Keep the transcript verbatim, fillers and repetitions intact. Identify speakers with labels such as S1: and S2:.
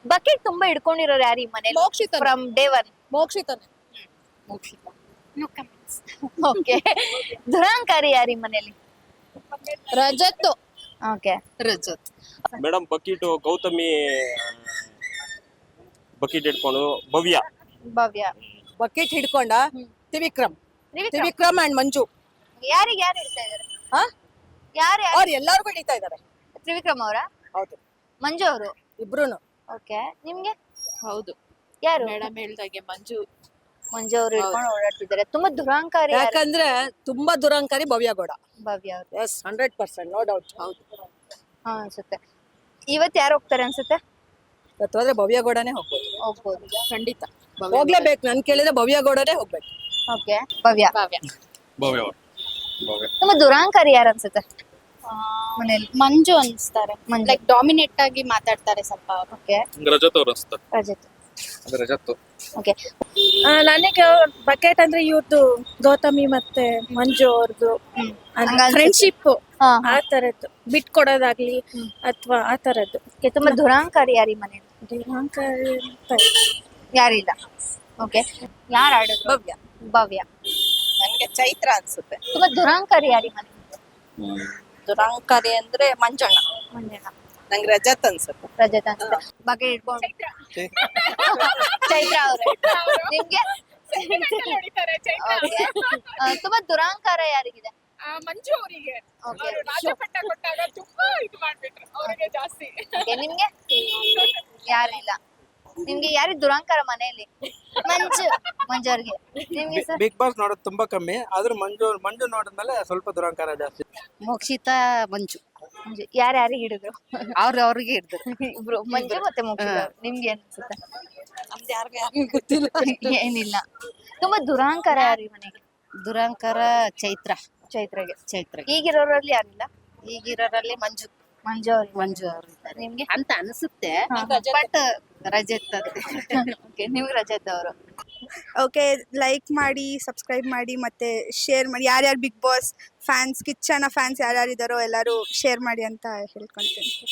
S1: Bucket ತುಂಬಾ ಹಿಡ್ಕೊಂಡಿರೋರು ಯಾರು ಈ ಮನೇಲಿ?
S2: Mokshita
S1: from day one.
S2: ಮೋಕ್ಷಿತನೇ
S1: ಮೋಕ್ಷಿತ. ಓಕೆ. ದುರಾಂಕಾರಿ ಯಾರು ಈ ಮನೇಲಿ?
S2: Rajat
S1: okay.
S2: Rajat
S3: madam bucket Gautami bucket ಇಟ್ಕೊಂಡು ಭವ್ಯ.
S1: ಭವ್ಯ.
S2: ಬಕೆಟ್ ಹಿಡ್ಕೊಂಡ ತ್ರಿವಿಕ್ರಮ್
S1: ತ್ರಿವಿಕ್ರಮ್.
S2: ತ್ರಿವಿಕ್ರಮ್ ಅಂಡ್ ಮಂಜು
S1: ಯಾರಿಗೆ ಯಾರು ಹಿಡ್ತಾ ಇದಾರೆ?
S2: ಹಾ
S1: ಯಾರು ಯಾರು?
S2: ಅವ್ರು ಎಲ್ಲಾರ್ಗು ಹಿಡಿತಾ ಇದಾರೆ.
S1: ತ್ರಿವಿಕ್ರಮ್ ಅವರ?
S2: ಹೌದು
S1: ಮಂಜು ಅವರು?
S2: ಇಬ್ರುನು.
S1: ಓಕೆ. ನಿಮ್ಗೆ
S4: ಹೌದು
S1: ಯಾರು?
S4: ಮೇಡಮ್ ಹೇಳ್ದಾಗೆ ಮಂಜು
S1: ಮಂಜು ಅವರು ಹಿಡ್ಕೊಂಡು ಓಡಾಡ್ತಿದ್ದಾರೆ. ತುಂಬಾ ದುರಾಂಕಾರಿ ಯಾರು?
S2: ಯಾಕಂದ್ರೆ ತುಂಬಾ ದುರಂಕಾರಿ ಭವ್ಯ ಗೌಡ.
S1: ಭವ್ಯ ಅವರು.
S2: Yes hundred percent no doubt.
S4: ಹೌದು
S1: ಹಾ ಅನ್ಸುತ್ತೆ. ಇವತ್ತು ಯಾರು ಹೋಗ್ತಾರೆ ಅನ್ಸುತ್ತೆ?
S2: ಇವತ್ತು ಹೋದ್ರೆ ಭವ್ಯ ಗೌಡನೇ ಹೋಗ್ಬೋದು.
S1: ಹೋಗ್ಬೋದು.
S4: ಖಂಡಿತ
S2: ಹೋಗ್ಲೇಬೇಕು. ನನ್ ಕೇಳಿದ್ರೆ ಭವ್ಯ ಗೌಡನೇ ಹೋಗ್ಬೇಕು.
S1: ಓಕೆ. ಭವ್ಯ.
S4: ಕಾವ್ಯ
S3: ಭವ್ಯ ಭವ್ಯ
S1: ತುಂಬಾ ದುರಾಂಕಾರಿ ಯಾರು ಅನ್ಸುತ್ತೆ ಮನೇಲಿ?
S4: ಮಂಜು ಅನ್ಸ್ತಾರೆ.
S1: ಮಂಜು.
S4: ಲೈಕ್ ಡಾಮಿನೇಟ್ ಆಗಿ ಮಾತಾಡ್ತಾರೆ ಸ್ವಲ್ಪ.
S1: ಓಕೆ.
S3: ರಜತ್ ಅವ್ರು ಅನ್ಸ್ತಾರೆ.
S1: ರಜತ್.
S3: ರಜತ್
S1: ಓಕೆ.
S5: ನನಗೆ ಬಕೆಟ್ ಅಂದ್ರೆ ಇವ್ರದ್ದು ಗೌತಮಿ ಮತ್ತೆ ಮಂಜು ಅವ್ರದ್ದು
S1: ಹಂಗನ್ಸುತ್ತೆ.
S5: ಫ್ರೆಂಡ್ಶಿಪ್
S1: ಹಾ
S5: ಆ ತರದ್ದು ಬಿಟ್ಕೊಡೋದಾಗ್ಲಿ ಅಥವಾ ಆ ತರದ್ದು.
S1: ಓಕೆ. ತುಂಬಾ ದುರಾಂಕಾರಿ ಯಾರು ಈ ಮನೇಲಿ?
S5: ದುರಾಂಕಾರಿ ಅಂತ
S1: ಯಾರಿಲ್ಲ. ಓಕೆ. ಯಾರು ಆಡಿದ್ರು?
S2: ಭವ್ಯ.
S1: ಭವ್ಯ.
S2: ನನ್ಗೆ ಚೈತ್ರ ಅನ್ಸುತ್ತೆ.
S1: ತುಂಬಾ ದುರಾಂಕಾರಿ ಯಾರು ಈ ಮನೇಲಿ?
S2: ದುರಂಕಾರಿ ಅಂದ್ರೆ ಮಂಜಣ್ಣ.
S1: ಮಂಜಣ್ಣ.
S2: ನಂಗೆ ರಜತ್ ಅನ್ಸುತ್ತೆ.
S1: ರಜತ್ ಅನ್ಸುತ್ತೆ. ಬಕೆಟ್ ಇಟ್ಕೊಂಡು ಚೈತ್ರ ಅವ್ರೆ. ನಿಮ್ಗೆ? Okay. ಆ, ತುಂಬಾ ದುರಾಂಕಾರ ಯಾರಿಗಿದೆ?
S4: ಮಂಜು ಅವರಿಗೆ
S1: ಓಕೆ.
S4: ರಾಜಪಟ್ಟ ಕೊಟ್ಟಾಗ ತುಂಬಾ ಇದು ಮಾಡ್ಬಿಟ್ರು ಅವರಿಗೆ ಜಾಸ್ತಿ.
S1: ಓಕೆ. ನಿಮ್ಗೆ ಯಾರಿಲ್ಲ. ನಿಮ್ಗೆ ಯಾರಿಗೆ ದುರಾಂಕಾರ ಮನೆಯಲ್ಲಿ? ಮಂಜು. ಮಂಜು ಅವ್ರಿಗೆ. ನಿಮ್ಗೆ ಸರ್?
S6: ಬಿಗ್ ಬಾಸ್ ನೋಡೋದು ತುಂಬಾ ಕಮ್ಮಿ, ಆದ್ರೂ ಮಂಜು ಮಂಜು ನೋಡಿದ್ಮೇಲೆ ಸ್ವಲ್ಪ ದುರಂಕಾರ ಜಾಸ್ತಿ.
S2: ಮೋಕ್ಷಿತ ಮಂಜು
S1: ಮಂಜು. ಯಾರು ಯಾರಿಗೆ ಹಿಡಿದ್ರು?
S2: ಅವ್ರ ಅವ್ರಿಗೆ ಹಿಡಿದ್ರು.
S1: ಇಬ್ರು ಮಂಜು ಮತ್ತೆ ಮೋಕ್ಷಿತ ಅವ್ರು. ನಿಮ್ಗೆ ಏನ್ ಅನ್ಸುತ್ತೆ?
S2: ನಮ್ದು ಯಾರಿಗೂ ಯಾರಿಗೂ ಗೊತ್ತಿಲ್ಲ.
S1: ಏನಿಲ್ಲ. ತುಂಬಾ ದುರಾಂಕಾರ ಯಾರು ಈ ಮನೆಗೆ?
S2: ದುರಂಕಾರ ಚೈತ್ರ.
S1: ಚೈತ್ರಗೆ.
S2: ಚೈತ್ರ
S1: ಈಗಿರೋರಲ್ಲಿ ಯಾರಿಲ್ಲ?
S2: ಈಗಿರೋರಲ್ಲಿ ಮಂಜು
S1: ಮಂಜು ಅವ್ರಿಗೆ.
S2: ಮಂಜು ಅವರು ಇದ್ದಾರೆ
S1: ನಿಮ್ಗೆ?
S2: ಅಂತ ಅನಿಸುತ್ತೆ.
S1: ಹಾ.
S2: ಬಟ್ ರಜತ್ ಅಂತ.
S1: ಓಕೆ. ನಿಮ್ಗೆ ರಜತ್ ಅವರು.
S7: ಓಕೆ, ಲೈಕ್ ಮಾಡಿ, ಸಬ್ಸ್ಕ್ರೈಬ್ ಮಾಡಿ, ಮತ್ತೆ ಶೇರ್ ಮಾಡಿ. ಯಾರ್ಯಾರು ಬಿಗ್ ಬಾಸ್ ಫ್ಯಾನ್ಸ್, ಕಿಚ್ಚನ ಫ್ಯಾನ್ಸ್ ಯಾರ್ಯಾರು ಇದ್ದಾರೋ ಎಲ್ಲರೂ ಶೇರ್ ಮಾಡಿ ಅಂತ ಹೇಳ್ಕೊಂತೀನಿ.